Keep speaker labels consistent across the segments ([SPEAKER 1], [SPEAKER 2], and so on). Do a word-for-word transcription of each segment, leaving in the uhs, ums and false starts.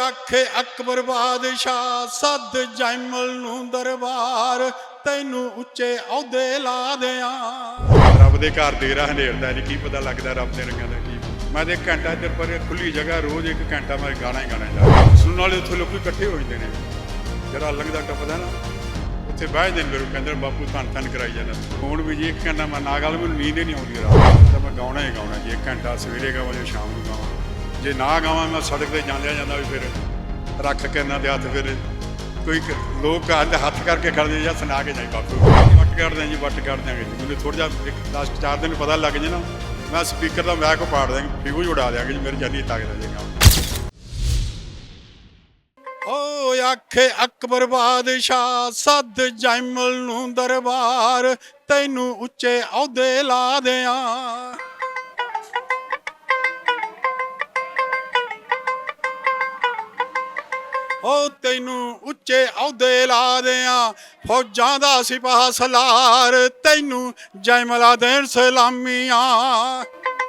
[SPEAKER 1] ਆਖੇ ਅਕਬਰ ਬਾਦਸ਼ਾਹ ਸੱਦ ਜੈਮਲ ਨੂੰ ਦਰਬਾਰ, ਤੈਨੂੰ ਉੱਚੇ ਅਹੁਦੇ ਲਾ ਦਿਆਂ। ਰੱਬ ਦੇ ਘਰ ਦੇ ਰਾਹ ਹਨੇਰਦਾ ਨਹੀਂ, ਕੀ ਪਤਾ ਲੱਗਦਾ ਰੱਬ ਦੇ ਰੰਗਾਂ ਦਾ ਕੀ। ਮੈਂ ਤੇ ਘੰਟਾ ਇੱਧਰ ਪਰ ਖੁੱਲੀ ਜਗ੍ਹਾ ਰੋਜ਼ ਇੱਕ ਘੰਟਾ ਮੈਂ ਗਾਣਾ ਹੀ ਗਾਣਾ ਜਾ ਸੁਣਨ ਵਾਲੇ ਉੱਥੇ ਲੋਕ ਇਕੱਠੇ ਹੋ ਜਾਂਦੇ ਨੇ। ਜਿਹੜਾ ਲੰਘਦਾ ਟੱਪਦਾ ਨਾ ਉੱਥੇ ਬਹਿ ਜਾਂਦੇ ਮੇਰੇ ਕਹਿੰਦੇ ਬਾਪੂ ਧੰਨ ਧੰਨ ਕਰਾਈ ਜਾਂਦਾ। ਹੁਣ ਵੀ ਜੀ ਇੱਕ ਘੰਟਾ ਮੈਂ ਨਾ ਗਾ ਲਾਂ ਮੈਨੂੰ ਨੀਂਦ ਹੀ ਨਹੀਂ ਆਉਂਦੀ ਰਾਤ ਤਾਂ ਮੈਂ ਗਾਉਣਾ ਹੀ ਗਾਉਣਾ ਜੀ। ਇੱਕ ਘੰਟਾ ਸਵੇਰੇ ਗਾਵਾਂ ਜਾਂ ਸ਼ਾਮ ਨੂੰ ਗਾਵਾਂ। ਜੇ ਨਾ ਗਾਵਾਂ ਮੈਂ ਸੜਕ ਤੇ ਜਾਂਦਿਆਂ ਜਾਂਦਾ ਵੀ ਫਿਰ ਰੱਖ ਕੇ ਇਹਨਾਂ ਦੇ ਹੱਥ ਫਿਰ ਕੋਈ ਲੋਕ ਕਹਿੰਦੇ ਹੱਥ ਕਰਕੇ ਖੜਦੇ ਜਾਂ ਸੁਣਾ ਕੇ ਜਾਈ ਬਾਪੂ ਵੱਟ ਕੱਢਦੇ ਜੀ ਵੱਟ ਕੱਢ ਦਿਆਂਗੇ ਜੀ। ਮੈਨੂੰ ਥੋੜ੍ਹਾ ਜਿਹਾ ਇੱਕ ਦਸ ਚਾਰ ਦਿਨ ਪਤਾ ਲੱਗ ਜੇ ਨਾ ਮੈਂ ਸਪੀਕਰ ਦਾ ਮੈਕ ਪਾੜ ਦਿਆਂਗੇ ਫਿਊਜ਼ ਉਡਾ ਦਿਆਂਗੇ ਜੀ। ਮੇਰੀ ਜਾਨੀ ਤਾਕਤ ਜੇਗਾ। ਓ ਆਖੇ ਅਕਬਰ ਬਾਦਸ਼ਾਹ ਸੱਦ ਜੈਮਲ ਨੂੰ ਦਰਬਾਰ, ਤੈਨੂੰ ਉੱਚੇ ਅਹੁਦੇ ਲਾ ਦਿਆਂ। ਓ ਤੈਨੂੰ ਉੱਚੇ ਅਹੁਦੇ ਲਾ ਦਿਆਂ, ਫੌਜਾਂ ਦਾ ਸਿਪਾਹ ਸਲਾਰ, ਤੈਨੂੰ ਜੈਮਲਾ ਦੇਣ ਸਲਾਮੀਆਂ।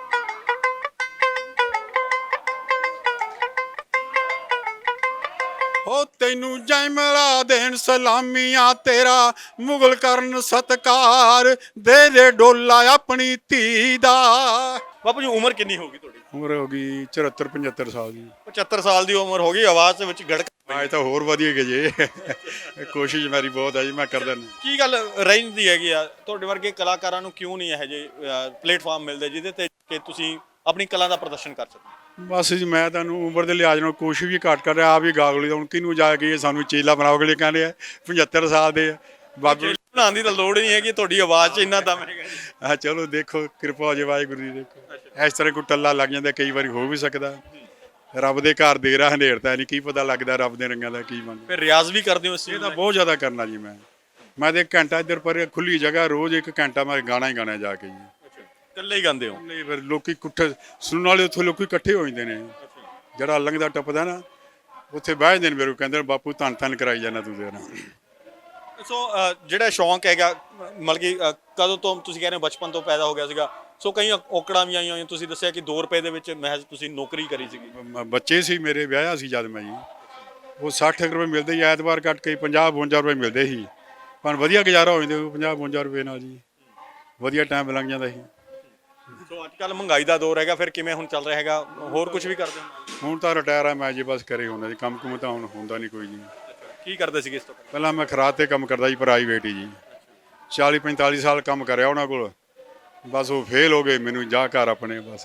[SPEAKER 1] ਓ ਤੈਨੂੰ ਜੈਮਲਾ ਦੇਣ ਸਲਾਮੀਆਂ, ਤੇਰਾ ਮੁਗਲ ਕਰਨ ਸਤਕਾਰ, ਦੇ ਦੇ ਡੋਲਾ ਆਪਣੀ ਧੀ ਦਾ।
[SPEAKER 2] ਬਾਪੂ ਜੀ ਉਮਰ ਕਿੰਨੀ ਹੋ ਗਈ ਤੁਹਾਡੀ?
[SPEAKER 1] ਉਮਰ ਹੋ ਗਈ ਚੁਹੱਤਰ ਪਝੱਤਰ ਸਾਲ ਦੀ।
[SPEAKER 2] ਪਝੱਤਰ ਸਾਲ ਦੀ ਉਮਰ ਹੋ ਗਈ, ਆਵਾਜ਼ ਦੇ ਵਿੱਚ ਗੜਕ
[SPEAKER 1] ਅੱਜ ਤਾਂ ਹੋਰ ਵਧੀਆ ਗਏ ਜੇ। ਕੋਸ਼ਿਸ਼ ਮੇਰੀ ਬਹੁਤ ਹੈ ਜੀ, ਮੈਂ ਕਰਦਾ ਨਹੀਂ।
[SPEAKER 2] ਕੀ ਗੱਲ ਰਹਿੰਦੀ ਹੈਗੀ ਆ ਤੁਹਾਡੇ ਵਰਗੇ ਕਲਾਕਾਰਾਂ ਨੂੰ ਕਿਉਂ ਨਹੀਂ ਇਹੋ ਜਿਹੇ ਪਲੇਟਫਾਰਮ ਮਿਲਦੇ ਜਿਹਦੇ ਤੇ ਕਿ ਤੁਸੀਂ ਆਪਣੀ ਕਲਾ ਦਾ ਪ੍ਰਦਰਸ਼ਨ ਕਰ ਸਕੋ?
[SPEAKER 1] ਬਸ ਜੀ ਮੈਂ ਤੁਹਾਨੂੰ ਉਮਰ ਦੇ ਲਿਹਾਜ਼ ਨਾਲ ਕੋਸ਼ਿਸ਼ ਵੀ ਘੱਟ ਕਰ ਰਿਹਾ। ਆਪ ਵੀ ਗਾਗਲੀ ਦਾ ਹੁਣ ਕਿਹਨੂੰ ਜਾ ਕੇ ਸਾਨੂੰ ਚੇਲਾ ਬਣਾਓਗੇ ਕਹਿੰਦੇ ਆ ਪਝੱਤਰ ਸਾਲ ਦੇ ਆ ਬਾਬੇ
[SPEAKER 2] ਬਣਾਉਣ ਦੀ ਤਾਂ ਲੋੜ ਨਹੀਂ ਹੈਗੀ, ਤੁਹਾਡੀ ਆਵਾਜ਼ 'ਚ ਇੰਨਾ ਦਮ ਹੈਗਾ ਜੀ।
[SPEAKER 1] ਹਾਂ ਚਲੋ ਦੇਖੋ ਕਿਰਪਾ ਹੋ ਜੇ ਵਾਹਿਗੁਰੂ ਦੀ। ਦੇਖੋ ਇਸ ਤਰ੍ਹਾਂ ਕੋਈ ਟੱਲਾ ਲੱਗ ਜਾਂਦਾ, ਕਈ ਵਾਰੀ ਹੋ ਵੀ ਸਕਦਾ। ਰੱਬ ਦੇ ਘਰ ਦੇ ਰਾਹ ਹਨੇਰਦਾ ਨਹੀਂ, ਕੀ ਪਤਾ ਲੱਗਦਾ ਰੱਬ ਦੇ ਰੰਗਾਂ ਦਾ ਕੀ ਬਣ।
[SPEAKER 2] ਫਿਰ ਰਿਆਜ਼ ਵੀ ਕਰਦੇ ਹੋ ਇਸ
[SPEAKER 1] ਇਹ
[SPEAKER 2] ਚੀਜ਼
[SPEAKER 1] ਤਾਂ
[SPEAKER 2] ਦਾ?
[SPEAKER 1] ਬਹੁਤ ਜ਼ਿਆਦਾ ਕਰਨਾ ਜੀ। ਮੈਂ ਮੈਂ ਤੇ ਇੱਕ ਘੰਟਾ ਇੱਧਰ ਪਰ ਖੁੱਲੀ ਜਗ੍ਹਾ ਰੋਜ਼ ਇੱਕ ਘੰਟਾ ਮੈਂ ਗਾਣਾ ਹੀ ਗਾਣਾ ਜਾ ਕੇ ਜੀ।
[SPEAKER 2] ਇਕੱਲੇ ਹੀ ਗਾਉਂਦੇ ਹੋ?
[SPEAKER 1] ਨਹੀਂ ਫਿਰ ਲੋਕੀ ਇਕੱਠੇ ਸੁਣਨ ਵਾਲੇ ਉੱਥੇ ਲੋਕੀ ਇਕੱਠੇ ਹੋ ਜਾਂਦੇ ਨੇ। ਜਿਹੜਾ ਲੰਘਦਾ ਟੱਪਦਾ ਨਾ ਉੱਥੇ ਬਹਿ ਜਾਂਦੇ ਨੇ ਮੇਰੇ ਕਹਿੰਦੇ ਬਾਪੂ ਧੰਨ ਧੰਨ ਕਰਾਈ ਜਾਂਦਾ ਤੂੰ ਦੇ ਨਾਲ।
[SPEAKER 2] ਸੋ ਜਿਹੜਾ ਸ਼ੌਂਕ ਹੈਗਾ ਮਤਲਬ ਕਿ ਕਦੋਂ ਤੋਂ ਤੁਸੀਂ ਕਹਿ ਰਹੇ ਹੋ ਬਚਪਨ ਤੋਂ ਪੈਦਾ ਹੋ ਗਿਆ ਸੀਗਾ? ਸੋ ਕਈ ਔਕੜਾਂ ਵੀ ਆਈਆਂ ਹੋਈਆਂ। ਤੁਸੀਂ ਦੱਸਿਆ ਕਿ ਦੋ ਰੁਪਏ ਦੇ ਵਿੱਚ ਮਹਿਜ਼ ਤੁਸੀਂ ਨੌਕਰੀ ਕਰੀ ਸੀਗੀ।
[SPEAKER 1] ਬ- ਬੱਚੇ ਸੀ ਮੇਰੇ, ਵਿਆਹਿਆ ਸੀ ਜਦ ਮੈਂ ਜੀ। ਉਹ ਸੱਠ ਰੁਪਏ ਮਿਲਦੇ ਸੀ ਐਤਵਾਰ ਕੱਟ ਕੇ, ਪੰਜਾਹ ਬਵੰਜਾ ਰੁਪਏ ਮਿਲਦੇ ਸੀ। ਪਰ ਵਧੀਆ ਗੁਜ਼ਾਰਾ ਹੋ ਜਾਂਦੇ ਪੰਜਾਹ ਬਵੰਜਾ ਰੁਪਏ ਨਾਲ ਜੀ। ਵਧੀਆ ਟਾਈਮ ਲੰਘ ਜਾਂਦਾ ਸੀ।
[SPEAKER 2] ਸੋ ਅੱਜ ਕੱਲ੍ਹ ਮਹਿੰਗਾਈ ਦਾ ਦੌਰ ਹੈਗਾ, ਫਿਰ ਕਿਵੇਂ ਹੁਣ ਚੱਲ ਰਿਹਾ ਹੈਗਾ? ਹੋਰ ਕੁਝ ਵੀ ਕਰਦੇ ਹੋ?
[SPEAKER 1] ਹੁਣ ਤਾਂ ਰਿਟਾਇਰ ਆ ਮੈਂ ਜੀ, ਬਸ ਕਰੇ ਹੁੰਦਾ ਜੀ। ਕੰਮ ਕੁਮ ਤਾਂ ਹੁਣ ਹੁੰਦਾ ਨਹੀਂ ਕੋਈ ਜੀ।
[SPEAKER 2] ਕੀ ਕਰਦੇ ਸੀਗੇ ਇਸ ਤੋਂ ਪਹਿਲਾਂ?
[SPEAKER 1] ਪਹਿਲਾਂ ਮੈਂ ਖਰਾਦ ਤੇ ਕੰਮ ਕਰਦਾ ਜੀ, ਪ੍ਰਾਈਵੇਟ ਹੀ ਜੀ। ਚਾਲੀ ਪੰਤਾਲੀ ਸਾਲ ਕੰਮ ਕਰਿਆ ਉਹਨਾਂ ਕੋਲ, ਬਸ ਉਹ ਫੇਲ ਹੋ ਗਏ। ਮੈਨੂੰ ਜਾ ਘਰ ਆਪਣੇ ਬਸ।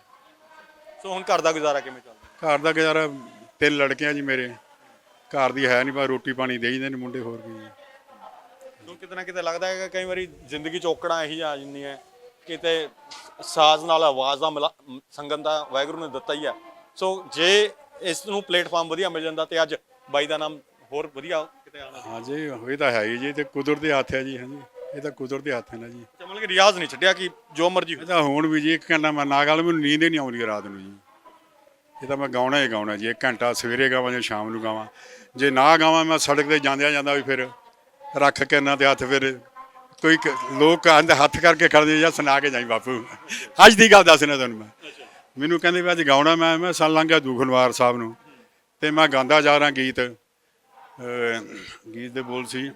[SPEAKER 2] ਸੋ ਹੁਣ ਘਰ ਦਾ ਗੁਜ਼ਾਰਾ ਕਿਵੇਂ ਚੱਲਦਾ?
[SPEAKER 1] ਘਰ ਦਾ ਗੁਜ਼ਾਰਾ ਤਿੰਨ ਲੜਕੇ ਆ ਜੀ ਮੇਰੇ। ਘਰ ਦੀ ਹੈ ਨਹੀਂ, ਬਸ ਰੋਟੀ ਪਾਣੀ ਦੇ ਜਾਂਦੇ ਨੇ ਮੁੰਡੇ, ਹੋਰ ਕੀ।
[SPEAKER 2] ਸੋ ਕਿਤੇ ਨਾ ਕਿਤੇ ਲੱਗਦਾ ਹੈਗਾ ਕਈ ਵਾਰੀ ਜ਼ਿੰਦਗੀ 'ਚ ਔਕੜਾਂ ਇਹੀ ਆ ਜਾਂਦੀਆਂ, ਕਿਤੇ ਸਾਜ਼ ਨਾਲ ਆਵਾਜ਼ ਦਾ ਮਿਲਾ ਸੰਗਮ ਦਾ ਵਾਹਿਗੁਰੂ ਨੇ ਦਿੱਤਾ ਹੀ ਆ। ਸੋ ਜੇ ਇਸ ਨੂੰ ਪਲੇਟਫਾਰਮ ਵਧੀਆ ਮਿਲ ਜਾਂਦਾ ਤੇ ਅੱਜ ਬਾਈ ਦਾ ਨਾਮ ਹੋਰ ਵਧੀਆ ਕਿਤੇ ਆਉਣਾ।
[SPEAKER 1] ਹਾਂ ਜੀ ਇਹ ਤਾਂ ਹੈ ਹੀ ਜੀ। ਤੇ ਕੁਦਰਤ ਦੇ ਹੱਥ ਹੈ ਜੀ। ਹਾਂਜੀ ਇਹ ਤਾਂ ਕੁਦਰਤ ਦੇ ਹੱਥ ਹੈ ਨਾ ਜੀ।
[SPEAKER 2] ਮਤਲਬ ਕਿ ਰਿਆਜ਼ ਨਹੀਂ ਛੱਡਿਆ ਕਿ ਜੋ ਮਰਜ਼ੀ
[SPEAKER 1] ਇਹ ਤਾਂ ਹੁਣ ਵੀ ਜੀ ਇੱਕ ਘੰਟਾ ਮੈਂ ਨਾ ਗਾ ਲਾਂ ਮੈਨੂੰ ਨੀਂਦ ਹੀ ਨਹੀਂ ਆਉਂਦੀ ਰਾਤ ਨੂੰ ਜੀ। ਇਹ ਤਾਂ ਮੈਂ ਗਾਉਣਾ ਹੀ ਗਾਉਣਾ ਜੀ। ਇੱਕ ਘੰਟਾ ਸਵੇਰੇ ਗਾਵਾਂ ਜਾਂ ਸ਼ਾਮ ਨੂੰ ਗਾਵਾਂ। ਜੇ ਨਾ ਗਾਵਾਂ ਮੈਂ ਸੜਕ ਤੇ ਜਾਂਦਿਆਂ ਜਾਂਦਾ ਵੀ ਫਿਰ ਰੱਖ ਕੇ ਇਹਨਾਂ ਦੇ ਹੱਥ ਫਿਰ ਕੋਈ ਲੋਕ ਕਹਿੰਦੇ ਹੱਥ ਕਰਕੇ ਖੜਦੇ ਜਾਂ ਸੁਣਾ ਕੇ ਜਾਈ ਬਾਪੂ। ਅੱਜ ਦੀ ਗੱਲ ਦੱਸਣਾ ਤੁਹਾਨੂੰ ਮੈਂ। ਮੈਨੂੰ ਕਹਿੰਦੇ ਵੀ ਅੱਜ ਗਾਉਣਾ ਮੈਂ ਮੈਂ ਸਾਲ ਲੰਘ ਗਿਆ ਦੂਖਨਵਾਰ ਸਾਹਿਬ ਨੂੰ ਅਤੇ ਮੈਂ ਗਾਉਂਦਾ ਜਾ ਰਿਹਾ ਗੀਤ। ਗੀਤ ਦੇ ਬੋਲ ਸੀ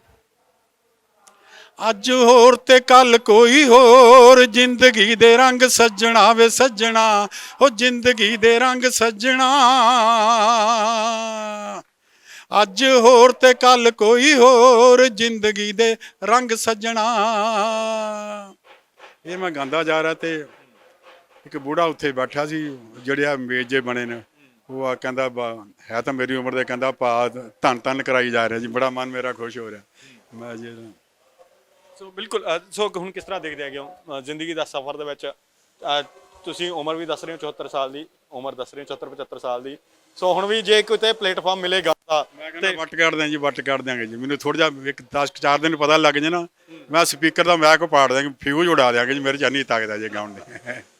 [SPEAKER 1] ਅੱਜ ਹੋਰ ਤੇ ਕੱਲ ਕੋਈ ਹੋਰ, ਜ਼ਿੰਦਗੀ ਦੇ ਰੰਗ ਸੱਜਣਾ ਵੇ ਸੱਜਣਾ, ਉਹ ਜ਼ਿੰਦਗੀ ਦੇ ਰੰਗ ਸੱਜਣਾ। ਅੱਜ ਹੋਰ ਤੇ ਕੱਲ ਕੋਈ ਹੋਰ, ਜ਼ਿੰਦਗੀ ਦੇ ਰੰਗ ਸੱਜਣਾ। ਇਹ ਮੈਂ ਗਾਉਂਦਾ ਜਾ ਰਿਹਾ ਤੇ ਇੱਕ ਬੁੜਾ ਉੱਥੇ ਬੈਠਾ ਸੀ, ਜਿਹੜੇ ਆ ਮੇਜ਼ ਜੇ ਬਣੇ ਨੇ। ਉਹ ਆ ਕਹਿੰਦਾ ਬਾ ਹੈ ਤਾਂ ਮੇਰੀ ਉਮਰ ਦੇ, ਕਹਿੰਦਾ ਭਾ ਧੰਨ ਧੰਨ ਕਰਾਈ ਜਾ ਰਿਹਾ ਜੀ। ਬੜਾ ਮਨ ਮੇਰਾ ਖੁਸ਼ ਹੋ ਰਿਹਾ। ਮੈਂ ਜੀ
[SPEAKER 2] ਸੋ ਬਿਲਕੁਲ। ਸੋ ਹੁਣ ਕਿਸ ਤਰ੍ਹਾਂ ਦੇਖਦੇ ਹੈਗੇ ਹੋ ਜ਼ਿੰਦਗੀ ਦਾ ਸਫ਼ਰ ਦੇ ਵਿੱਚ? ਤੁਸੀਂ ਉਮਰ ਵੀ ਦੱਸ ਰਹੇ ਹੋ ਚੁਹੱਤਰ ਸਾਲ ਦੀ, ਉਮਰ ਦੱਸ ਰਹੇ ਹੋ ਚੁਹੱਤਰ ਪਝੱਤਰ ਸਾਲ ਦੀ। ਸੋ ਹੁਣ ਵੀ ਜੇ ਕਿਤੇ ਪਲੇਟਫਾਰਮ ਮਿਲੇਗਾ ਤਾਂ
[SPEAKER 1] ਮੈਂ ਕਹਿੰਦਾ ਵੱਟ ਕੱਢ ਦਿਆਂ ਜੀ, ਵੱਟ ਕੱਢ ਦਿਆਂਗੇ ਜੀ। ਮੈਨੂੰ ਥੋੜ੍ਹਾ ਜਿਹਾ ਇੱਕ ਦਸ ਚਾਰ ਦਿਨ ਪਤਾ ਲੱਗ ਜੇ ਨਾ ਮੈਂ ਸਪੀਕਰ ਦਾ ਮੈਕ ਪਾੜ ਦਿਆਂਗੇ ਫਿਊਜ਼ ਉਡਾ ਦਿਆਂਗੇ ਜੀ। ਮੇਰੀ ਜਾਨੀ ਤਾਕਤ ਹੈ ਜੀ ਗਾਉਣ ਦੀ।